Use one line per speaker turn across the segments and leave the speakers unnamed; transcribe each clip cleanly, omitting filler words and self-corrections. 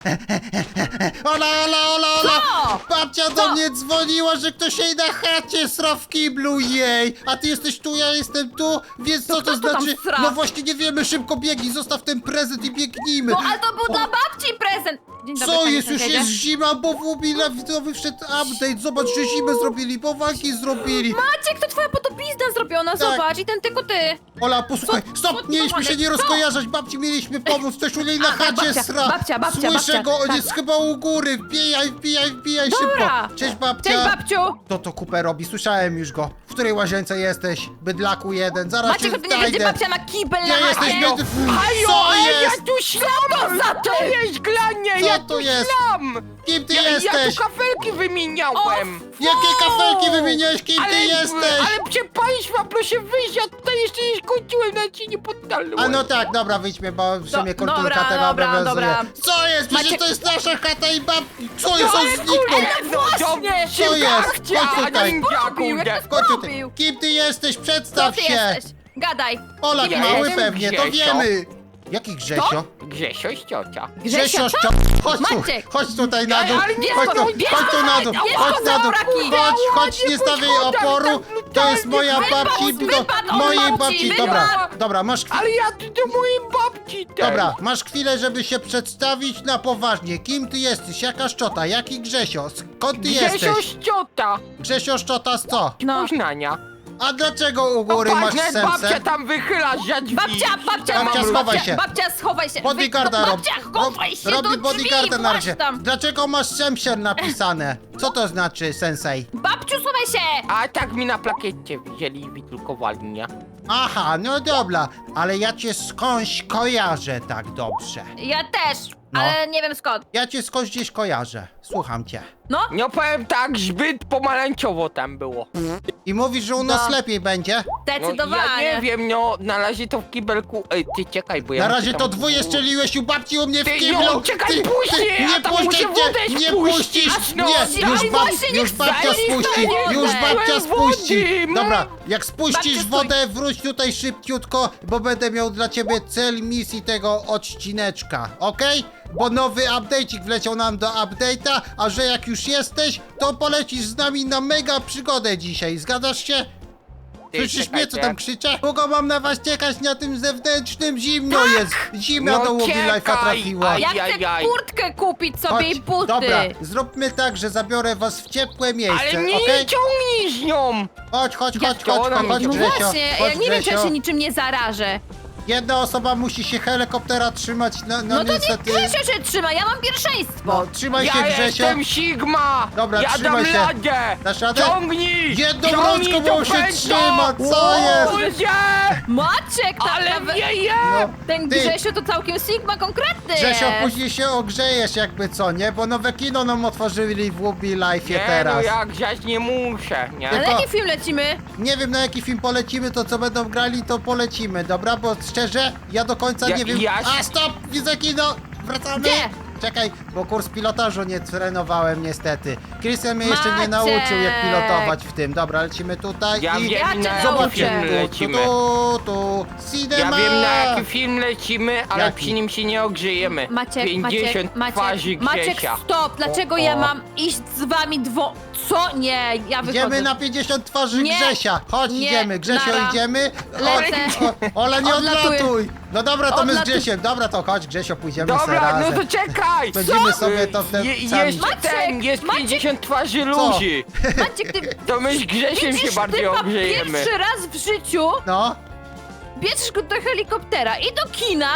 Ola!
Co?
Babcia do mnie dzwoniła, że ktoś jej na chacie sra w kiblu jej! A ty jesteś tu, ja jestem tu, więc co to
kto tu tam
znaczy?
sra?
No właśnie nie wiemy, szybko biegnij, zostaw ten prezent i biegnijmy!
No ale to był dla babci prezent! Dzień dobry,
Co
panie
jest? Już
sąsiedzie.
jest zima, bo w Ubilawidowy wszedł update. Zobacz, że zimę zrobili, bo walki zrobili.
Maciek, to twoja podobizna zrobiona,
Tak.
zobacz, i ten tylko ty.
Ola, posłuchaj,
Co
stop,
ty
mieliśmy się nie
co?
rozkojarzać, babci mieliśmy pomóc, ktoś u niej na chacie
babcia,
sra.
babcia,
Słyszę
babcia,
go, on
tak.
jest chyba u góry, wbijaj
Dobra.
szybko. Cześć babcia.
Cześć, babciu!
Kto to kupę robi? Słyszałem już go. W której łazience jesteś? Bydlaku jeden, zaraz
Maciek,
cię
to nie będzie,
znajdę.
babcia ma kibel
Nie
na
jesteś
chacie.
biedny.
Hajo,
Co
ja
jest?
tu ślam!
za
To
ty?
jest glanie,
Co
ja
to
tu
jest?
ślam!
Kim ty
Ja
jesteś?
tu kafelki wymieniałem!
Jakie kafelki wymieniałeś? Kim ty jesteś?
Ale proszę państwa, proszę wyjść, ja tutaj jeszcze nie skończyłem, nawet się nie poddałem.
A no tak, dobra, wyjdźmy, bo w sumie kulturka
dobra,
tego
dobra,
obowiązuje.
dobra.
Co jest? Przecież
Maciek-
to jest nasza chata i babki. Co jest? On
ale
zniknął.
no właśnie!
Co jest? Chodź tutaj.
Zrobił, jak to
Chodź tutaj.
zrobił?
Kim ty jesteś?
Kto
Przedstaw
ty
się.
jesteś? Gadaj.
Polak
Ja
mały
jestem
pewnie, to
Grzesio.
wiemy. Jaki Grzesio?
Grzesio z ciocia.
Grzesio,
Grzesio, chodź tu,
Maciek.
chodź tutaj na dół,
Ale nie,
chodź tu,
bierz
chodź tu na dół,
bierz
chodź
go
na
za
dół,
braki.
chodź, nie stawiaj oporu, to jest moja babci,
wypad od
mojej
babci,
babci,
wypad.
dobra, masz chwilę.
Ale ja tu do mojej babci też.
Dobra, masz chwilę, żeby się przedstawić na poważnie. Kim ty jesteś? Jaka szczota? Jaki Grzesio? Skąd ty
Grzesio
jesteś?
z ciota.
Grzesio szczota z co?
No.
Poznania.
A dlaczego u góry masz
Popatrz, babcia
sensę?
tam wychyla za drzwi.
Babcia,
Babcia, schowaj się.
Babcia, schowaj się.
Bodyguarda robi.
Babcia, chowaj się
Robi
do drzwi,
bodyguarda na razie.
właź tam.
Dlaczego masz Szemsier napisane? Co to znaczy, sensei?
Babciu, schowaj się.
A tak mi na plakiecie wzięli i wydrukowali, nie?
Aha, no dobra, ale ja cię skądś kojarzę tak dobrze.
Ja też,
No.
ale nie wiem skąd.
Ja cię skądś gdzieś kojarzę. Słucham cię.
No,
No powiem tak, zbyt pomarańczowo tam było.
I mówisz, że u nas
No.
lepiej będzie?
No,
zdecydowanie.
ja nie wiem, no na razie to w kibelku... Ej, ty czekaj, bo ja...
Na
muszę
razie
tam-
to dwóje strzeliłeś u babci u mnie w
Ty,
kiblu.
no, czekaj, puść mnie, ja tam muszę
puszczę
wodę
cię, nie
spuścić,
puścisz.
no.
Nie,
Daj
już,
właśnie, niech
już babcia
zajmij
spuści,
wodę.
już babcia
Wody,
spuści.
no.
Dobra, jak spuścisz
Babcia,
wodę, wróć tutaj szybciutko, bo będę miał dla ciebie cel misji tego odcineczka, okej? Bo nowy update'ik wleciał nam do update'a, a że jak już jesteś, to polecisz z nami na mega przygodę dzisiaj, zgadzasz się?
Ty,
Słyszysz mnie, co
czekajcie.
tam krzyczę? Długo mam na was czekać na tym zewnętrznym, zimno jest! Zimno
No
do Łobi Life'a
czekaj,
trafiła.
aj.
Ja chcę
Ajajaj.
kurtkę kupić sobie i buty.
dobra, zróbmy tak, że zabiorę was w ciepłe miejsce,
Ale nie
okej?
ciągnij z nią!
Chodź,
to ona
chodź,
mnie
No
Grzesio,
właśnie, ja
chodź,
nie wiem, czy ja
Grzesio.
się niczym nie zarażę.
Jedna osoba musi się helikoptera trzymać,
No to
niestety.
niech Grzesio się trzyma, ja mam pierwszeństwo.
No, trzymaj się,
Ja
Grzesio.
jestem Sigma!
Dobra,
ja
trzymaj
dam
się.
radę!
Dasz radę?
Ciągnij!
Jedną
Ciągnij
rączką,
to
bo on się
pętlo!
trzyma, co jest?
Ludzie!
Maciek, tak
Ale
nawet...
wieje!
No,
Ten
ty,
Grzesio to całkiem Sigma konkretny
Grzesio,
jest.
później się ogrzejesz jakby co, nie? Bo nowe kino nam otworzyli w Łubi Life'ie
Nie
teraz.
no, ja grzać nie muszę, nie?
Ale
Tylko-
jaki film lecimy?
Nie wiem, na jaki film polecimy, to co będą grali, to polecimy, dobra? Bo szczerze, ja do końca
Ja-
nie wiem...
ja-
A, stop! Widzę kino! Wracamy!
Gdzie?
Czekaj, bo kurs pilotażu nie trenowałem niestety. Christian mnie jeszcze nie
Maciek!
nauczył, jak pilotować w tym. Dobra, lecimy tutaj
Ja
i...
wiem,
Ja cię
na jaki
nauczę.
film
Tu,
lecimy.
tu,
Ja
cinema!
wiem, na jaki film lecimy, ale
Jaki?
przy nim się nie ogrzejemy.
Maciek,
50 twarzy
Maciek,
Grzesia.
stop! Dlaczego
O,
ja
o.
mam iść z wami Co? Nie, ja wychodzę.
Idziemy na 50 twarzy
Nie,
Grzesia. Chodź,
nie,
idziemy. Grzesio,
nara.
idziemy.
Lecę.
Ola, nie
Odlatuję.
odlatuj. No dobra, to my z
Odlatuj.
Grzesiem. Dobra, to chodź, Grzesio, pójdziemy se
Dobra,
razem.
no to czekaj!
Będziemy sobie to w ten sam-
Jeszcze
Maciek,
ten, jest
Maciek.
50 twarzy
Co?
ludzi.
Maciek, ty
To my z Grzesiem się
widzisz
bardziej
typa
ogrzejemy.
pierwszy raz w życiu,
No,
bierzesz go do helikoptera i do kina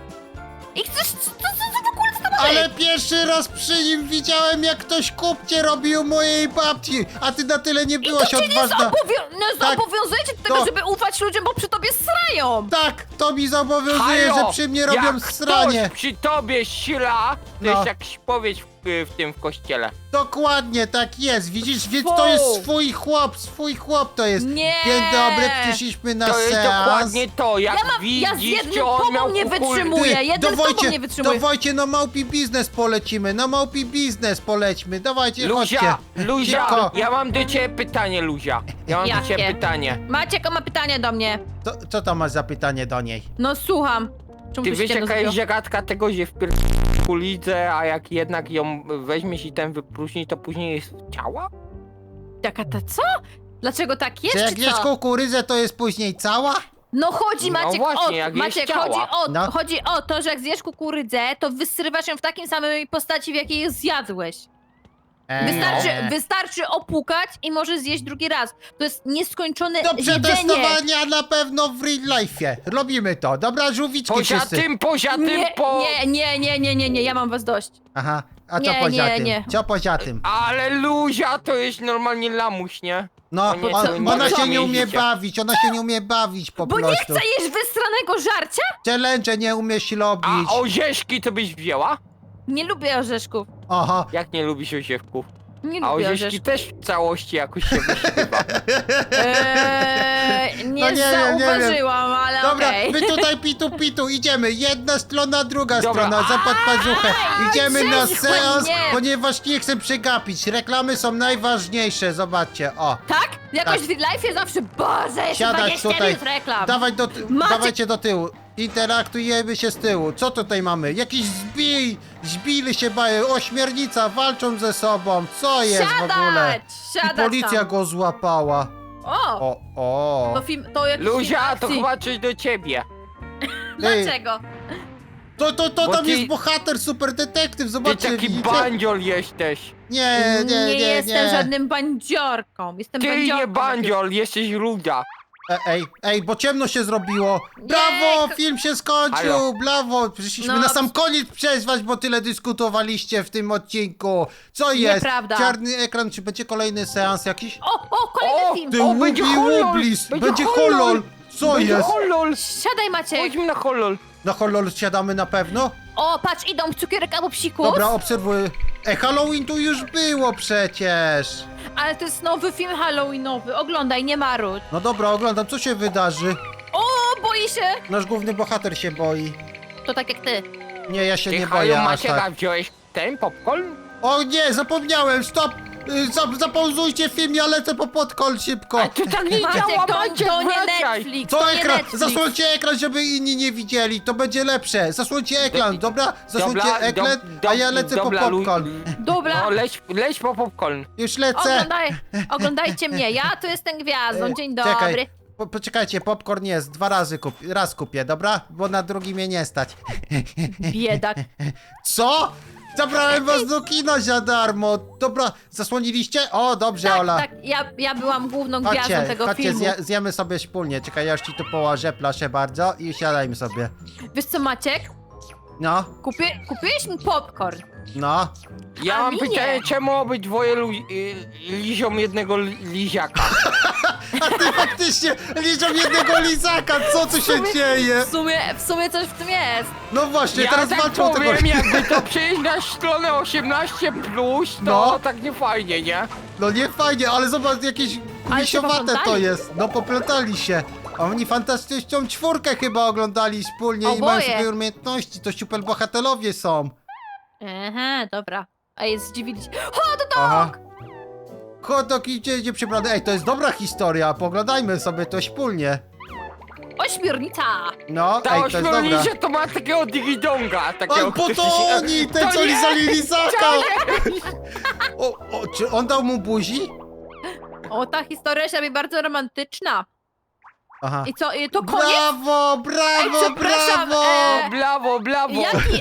i chcesz... Co w ogóle z tobą
ale
jest?
pierwszy raz przy nim widziałem, jak ktoś kupcie robił mojej babci, a ty na tyle nie
I to
byłaś
cię nie
odważna. Tak.
zobowiązujecie do tego,
To-
żeby ufać ludziom, bo przy tobie srają.
Tak, to mi zobowiązuje,
Halo,
że przy mnie robią
jak
sranie.
ktoś przy tobie sila, to
No.
jest jak spowiedź w tym w kościele.
Dokładnie, tak jest. Widzisz, więc to jest swój chłop to jest.
Nie.
Dzień dobry, przyszliśmy na
To jest
seans.
dokładnie to, jak
Ja z
widzisz,
jednym
że on miał
tobą nie
kukury-
wytrzymuję. Jeden z tobą nie wytrzymuje.
Dawajcie, na małpi biznes polecimy, na małpi biznes polećmy, dawajcie, chodźcie.
Luzia,
Szybko.
ja mam do ciebie pytanie, Luzia. Ja mam do
Jakie?
ciebie pytanie.
Maciek ma pytanie do mnie.
Co to masz za pytanie do niej?
No słucham. Czemu
Ty
tu
wiesz
ściemno
jaka jest
zrobiło?
zagadka tego, że w kukurydzę, a jak jednak ją weźmiesz i ten wypróżnisz, to później jest ciała?
Jaka ta co? Dlaczego tak jest,
Czy jak
czy
jesz
co?
kukurydzę, to jest później cała?
No chodzi,
No
Maciek,
właśnie, jak jest
Maciek,
ciała.
No.
chodzi o to, że jak zjesz kukurydzę, to wysrywasz ją w takim samej postaci, w jakiej ją zjadłeś. Wystarczy opłukać i możesz zjeść drugi raz. To jest nieskończone
Do
jedzenie.
przetestowania na pewno w real life'ie. Robimy to. Dobra, żółwiczki wszyscy.
Poza tym,
Nie, ja mam was dość.
Aha, a co
Nie,
poza
nie,
tym?
nie.
Co poza tym?
Ale Luzia to jest normalnie lamuś, nie?
No,
nie,
on,
to nie
ona się
wiem,
nie umie
jeździcie.
bawić, ona się nie umie bawić po
Bo nie
prostu.
chcę jeść wystranego żarcia?
Challenge nie umiesz robić.
A orzeszki to byś wzięła?
Nie lubię orzeszków.
Aha.
Jak nie lubisz orzeszków?
Nie
A
lubię
orzeszki
orzeszków.
też w całości jakoś się wyśpiewa.
Nie
No nie wiem, nie
zauważyłam, ale
Dobra,
okej.
my tutaj pitu, idziemy. Jedna strona, druga
Dobra.
strona, zapad pazuchę. Idziemy na
Cześć,
seans,
nie.
ponieważ nie chcę przegapić. Reklamy są najważniejsze, zobaczcie, o.
Tak? Jakoś
Tak.
w life zawsze, Boże, jeszcze
Siadać
20
tutaj.
minut reklam. Maciek-
Dawajcie do tyłu. Interaktujemy się z tyłu. Co tutaj mamy? Jakiś zbili się bają, ośmiornica, walczą ze sobą. Co jest w ogóle? I
Siadać
policja
tam.
go złapała.
O,
O.
to film, to jakiś
Luzia,
film
to
akcji.
chyba coś do ciebie.
Dlaczego?
To
Bo
tam
ty-
jest bohater, super detektyw,
Ty
zobaczcie,
taki
widzicie?
bandziol jesteś.
Nie
jestem żadnym bandziorką. Jestem
Ty
bandziorką.
nie bandziol, jesteś ruda.
Ej, bo ciemno się zrobiło. Brawo, film się skończył,
Halo.
brawo. Przyszliśmy
No.
na sam koniec przezwać, bo tyle dyskutowaliście w tym odcinku. Co jest?
Nieprawda.
Czarny ekran, czy będzie kolejny seans jakiś?
O, kolejny
O,
film.
Ty
O, będzie
łubi
horror,
łublis,
będzie
będzie
horror.
horror. Co
Będzie
jest?
Holol.
Siadaj, Maciek.
Chodźmy na holol.
Na horror siadamy na pewno?
O, patrz, idą w cukierek albo psikus.
Dobra, obserwuję. Halloween tu już było przecież.
Ale to jest nowy film halloweenowy. Oglądaj, nie marudź.
No dobra, oglądam, co się wydarzy.
O, boi się.
Nasz główny bohater się boi.
To tak jak ty.
Nie, ja się
Ty,
nie
halo,
boję aż
Maciek,
tak.
a wziąłeś ten popcorn?
O nie, zapomniałem, stop! Zapauzujcie film, ja lecę po podkol szybko.
A to tak nie
Maciek,
działa,
to
Maciek,
nie
wracaj.
Netflix,
Co
to nie
ekran?
Netflix.
Zasłońcie ekran, żeby inni nie widzieli, to będzie lepsze. Zasłońcie ekran, dobra? Zasłońcie ekran, a ja lecę po
dobra,
popcorn.
Dobra,
No, leć po popcorn.
Już lecę.
oglądajcie mnie, ja tu jestem gwiazdą, dzień
Czekaj,
dobry.
poczekajcie, popcorn jest, raz kupię, dobra? Bo na drugi mnie nie stać.
Biedak.
Co? Zabrałem was do kina za darmo. Dobra, zasłoniliście? O, dobrze,
Tak,
Ola.
tak, ja byłam główną gwiazdą tego
Chodźcie,
filmu.
zjemy sobie wspólnie. Czekaj, ja już ci tu położę, proszę bardzo i siadajmy sobie.
Wiesz co, Maciek?
No,
Kupiłeś mi popcorn.
no.
Ja
A
mam
mi
pytanie,
nie.
czemu obydwoje lizią jednego liziaka?
A ty faktycznie liczą jednego lizaka, co tu się dzieje?
W sumie coś w tym jest.
No właśnie,
Ja
teraz
tak
walczą o tego...
powiem, jakby to przejść na stronę 18+, to
No.
tak nie fajnie, nie?
No nie fajnie, ale zobacz, jakieś
Ale się
kulisiowate to
poplątali.
jest. No poplątali się. A oni fantastyczną czwórkę chyba oglądali wspólnie i mają
Oboje.
swoje umiejętności, to super bohaterowie są.
Aha, dobra. A jest zdziwili się. Hot dog!
Aha. Kotok idzie przybrany. Ej, to jest dobra historia, poglądajmy sobie to wspólnie.
Ośmiornica!
No,
Ta
ej, to jest dobra.
ośmiornica to ma takiego digidonga, takiego...
On po
który
to
się-
oni, ten
To
co
nie!
lizali lizaka!
To nie!
Czy on dał mu buzi?
O, ta historia się robi bardzo romantyczna.
Aha.
I co, to koniec?
Brawo, brawo,
Ej, przepraszam,
brawo!
Brawo.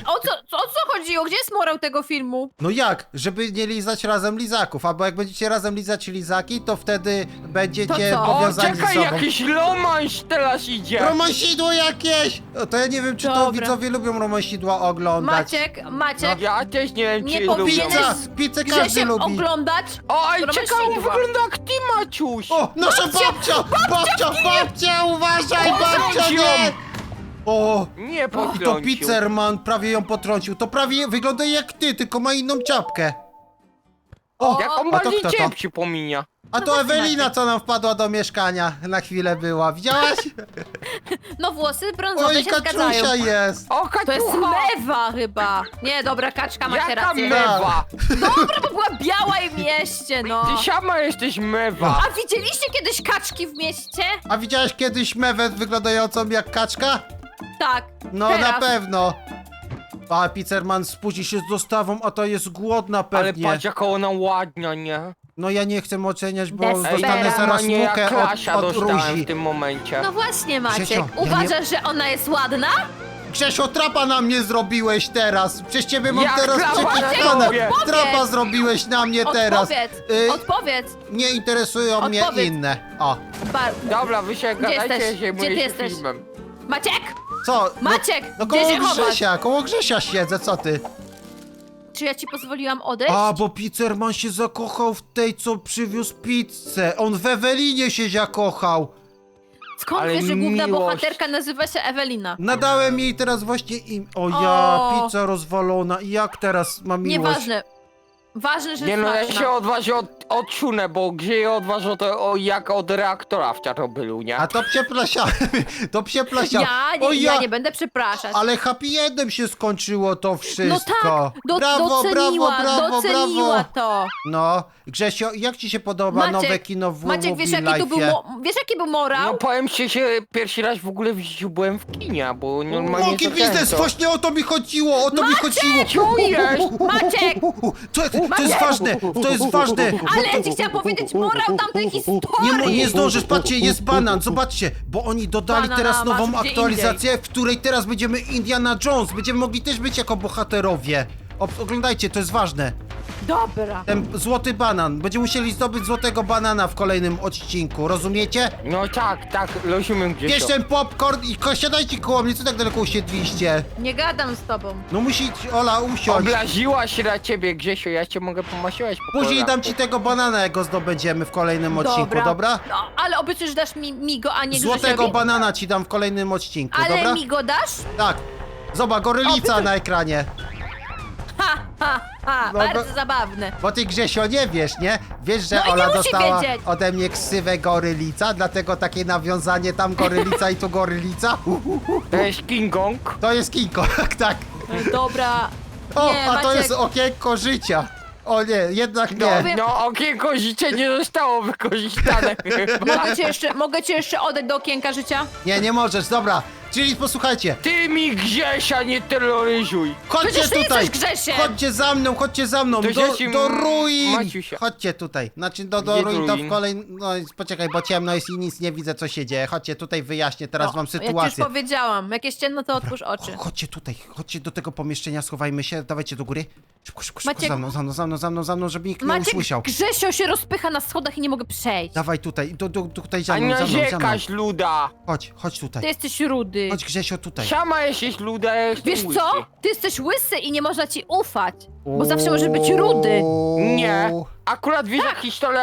O co chodziło? Gdzie jest morał tego filmu?
No jak? Żeby nie lizać razem lizaków, albo jak będziecie razem lizać lizaki, to wtedy będziecie
To co?
O,
powiązani ze
czekaj,
sobą.
jakiś romanś teraz idzie.
Romansidło jakieś! No to ja nie wiem, czy to
Dobra.
widzowie lubią romansidła oglądać.
Maciek,
Ja też nie wiem,
Nie
czy
powinieneś-
lubią.
Pizzę
że
każdy
się
lubi.
oglądać?
Oj, czekaj, on
Romansidła.
wygląda jak ty, Maciuś.
O, nasza babcia, uważaj, babcia, nie! O,
Nie
to
potrącił.
Pizzerman prawie ją potrącił. To prawie wygląda jak ty, tylko ma inną czapkę. O,
Jak on
a to
bardziej
kto to?
cię przypomina.
A to Ewelina, co nam wpadła do mieszkania. Na chwilę była. Widziałaś?
No włosy brązowe
Oj,
się zgadzają.
Kaczusia jest.
O,
To jest
Kaczucha!
mewa chyba. Nie, dobra, kaczka, macie
Jaka
rację.
mewa?
Dobra, bo była biała i w mieście, no.
Ty sama jesteś mewa.
A widzieliście kiedyś kaczki w mieście?
A widziałaś kiedyś mewę wyglądającą jak kaczka?
Tak.
No
teraz.
na pewno. A Pizzerman spóźni się z dostawą, a to jest głodna
Ale
pewnie.
patrz jaka ona ładna, nie?
No ja nie chcę oceniać, bo
Desperate.
dostanę zaraz
nie jak
mukę
Klasia
od
dostałem
Ruzi.
w tym momencie.
No właśnie, Maciek.
Grzesio, ja
Uważasz, że ona jest ładna?
Grzesio, trapa na mnie zrobiłeś teraz. Przez ciebie mam
Jak
teraz
trapa na
przekichane.
tobie?
Trapa zrobiłeś na mnie teraz.
Odpowiedz, odpowiedz.
Nie interesują mnie
Odpowiedz.
inne. O,
Dobra, wy się gadajcie,
jesteś?
ja się
Gdzie ty
zajmuję się
jesteś?
filmem.
Maciek?
co?
Maciek,
No
gdzie
koło
się chowasz?
Koło Grzesia siedzę, co ty?
Czy ja ci pozwoliłam odejść?
A, bo Pizzerman się zakochał w tej, co przywiózł pizzę. On w Ewelinie się zakochał.
Skąd
ale
wiesz, że główna
miłość.
bohaterka nazywa się Ewelina?
Nadałem jej teraz właśnie im... O ja,
O.
pizza rozwalona. I jak teraz mam miłość?
Nieważne. Ważne, że
Nie no, ja
smaczna.
się odważę odsunę, bo gdzie je odważę to jak od reaktora w Czarnobylu, nie?
A to przepraszamy, to przepraszam.
Ja nie będę przepraszać.
Ale happy endem się skończyło to wszystko.
No tak,
brawo,
doceniła,
brawo,
doceniła
brawo.
to.
No, Grzesio, jak ci się podoba nowe kino w
Maciek, wiesz
Mobile
jaki, tu był
Life'ie?
wiesz jaki był morał?
No powiem ci, że pierwszy raz w ogóle w życiu byłem w kinie, bo normalnie
Łoki
to
biznes,
często.
właśnie o to mi chodziło, o to mi chodziło.
Czujesz?
Maciek!
To jest ważne, to jest ważne.
Ale ja ci chciałam powiedzieć morał tamtej historii!
Nie zdążysz, patrzcie, jest banan, zobaczcie, bo oni dodali
Banana
teraz nową
masz gdzie
aktualizację, w której teraz będziemy Indiana Jones, będziemy mogli też być jako bohaterowie. Oglądajcie, to jest ważne.
Dobra.
Ten złoty banan, będziemy musieli zdobyć złotego banana w kolejnym odcinku, rozumiecie?
No tak, rozumiem gdzieś.
Bierz ten popcorn i siadajcie koło mnie, co tak daleko usiedliście?
Nie gadam z tobą.
No musi Ola usiąść.
Obraziła się na ciebie, Grzesiu, ja cię mogę pomasiłać po
Później
kolanku.
dam ci tego banana, jak go zdobędziemy w kolejnym odcinku, dobra?
No, ale obiecujesz, że dasz mi go, a nie
Złotego
Grzesiowi?
banana ci dam w kolejnym odcinku,
Ale
dobra?
mi go dasz?
Tak. Zobacz, gorylica na ekranie. No,
Bardzo zabawne.
Bo ty, Grzesio, nie wiesz, nie? Wiesz, że
No i nie
Ola
musi
dostała
wiedzieć.
ode mnie ksywę gorylica, dlatego takie nawiązanie tam gorylica i tu gorylica.
To jest King Kong.
To jest King Kong, tak.
Dobra.
O,
Nie,
a to
Maciek.
jest okienko życia. O nie, jednak
No,
nie.
no okienko życie nie zostało wykorzystane chyba.
Mogę cię jeszcze oddać do okienka życia?
Nie możesz, dobra. Czyli posłuchajcie,
Ty mi Grzesia nie terroryzuj.
chodźcie
Przecież ty
tutaj.
jesteś Grzesiem.
Chodźcie za mną,
To Grzesiem
do ruin.
Maciusia.
Chodźcie tutaj. Znaczy do
Gdzie
ruin to
ruin?
w kolejnym... No poczekaj, bo ciemno jest i nic nie widzę, co się dzieje. Chodźcie tutaj, wyjaśnię teraz wam
Ja ci już
sytuację.
powiedziałam. Jak jest ciemno, to otwórz oczy.
Chodźcie tutaj, chodźcie do tego pomieszczenia, schowajmy się, dawajcie do góry. Szybko,
Maciek-
za mną, żeby nikt nie
Maciek,
usłyszał.
Grzesio się rozpycha na schodach i nie mogę przejść.
Dawaj tutaj, tutaj
A
za
nie
mną.
narzekasz, luda.
Chodź
Ty
tutaj.
jesteś rudy.
Chodź Grzesio tutaj.
Sama jesteś luda, ja jestem
Wiesz
łysy.
co? Ty jesteś łysy i nie można ci ufać. Bo zawsze możesz być rudy.
Nie. Akurat wiesz jak historia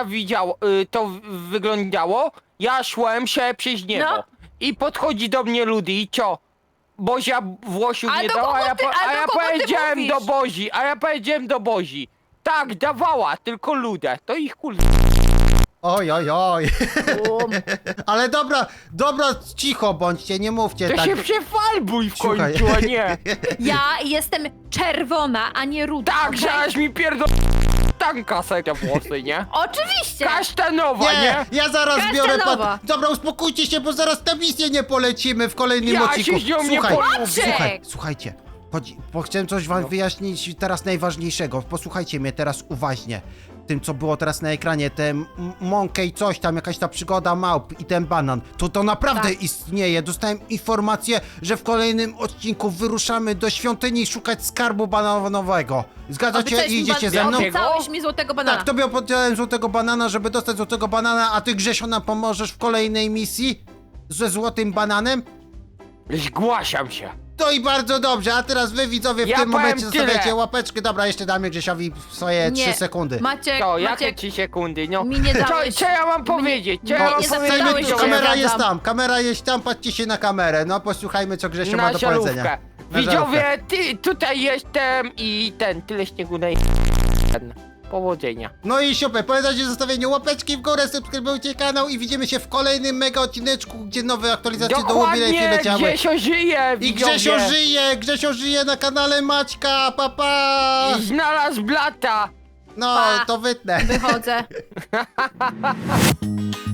wyglądało? Ja szłem się przez niebo.
No.
I podchodzi do mnie ludy i co? Bozia Włosiu
A
nie
do
dała,
kogo
a ja,
ty- a
a
do
ja
kogo ty
powiedziałem
mówisz?
do Bozi, do Bozi. Tak, dawała, tylko ludę. To ich kul...
Oj.
Um.
Ale dobra, cicho bądźcie, nie mówcie
To
tak.
się przefalbuj w
Słuchaj.
końcu, a nie.
Ja jestem czerwona, a nie ruda.
Tak,
okej?
żeś mi pierdol... Tanka te włosy, nie?
Oczywiście.
Kasztanowa,
Nie,
nie?
ja zaraz biorę
Kasztanowa.
Dobra, uspokójcie się, bo zaraz na misję nie polecimy w kolejnym
Ja
odcinku.
się z nią nie
Słuchaj,
polubię.
słuchajcie. Bo chciałem coś wam wyjaśnić teraz najważniejszego. Posłuchajcie mnie teraz uważnie. Tym, co było teraz na ekranie, ten Monkey coś tam, jakaś ta przygoda małp i ten banan. To naprawdę
Tak.
istnieje. Dostałem informację, że w kolejnym odcinku wyruszamy do świątyni szukać skarbu bananowego. Zgadzacie
Obiecałeś
i
mi
idziecie
ban-
ze mną?
Obiecałeś mi złotego banana.
Tak, tobie opowiedziałem złotego banana, żeby dostać złotego banana, a ty, Grzesio, nam pomożesz w kolejnej misji ze złotym bananem?
Zgłaszam się.
To i bardzo dobrze, a teraz wy, widzowie, w
Ja
tym
powiem
momencie
tyle.
zostawiacie łapeczkę. Dobra, jeszcze damy Grzesiowi swoje 3 sekundy.
Maciek,
To, jakie
Maciek,
3 sekundy, no?
mi nie dałeś.
Co ja mam powiedzieć? Co ja
mnie
mam
nie
powiedzieć?
zapytałeś,
widzowie?
czy
Kamera
ja
jest
zgadzam.
tam, patrzcie się na kamerę. No, posłuchajmy, co Grzesio ma
Na
do
żarówkę.
powiedzenia. Na
Widzowie,
żarówkę.
tutaj jestem i tyle śniegu na powodzenia.
No i super, pamiętajcie o zostawieniu łapeczki w górę, subskrybujcie kanał i widzimy się w kolejnym mega odcineczku, gdzie nowe aktualizacje do Mobile
Dokładnie,
leciały.
Grzesio żyje,
I
widzowie.
Grzesio żyje na kanale Maćka, pa!
I znalazł blata.
No,
Pa.
to wytnę.
Wychodzę.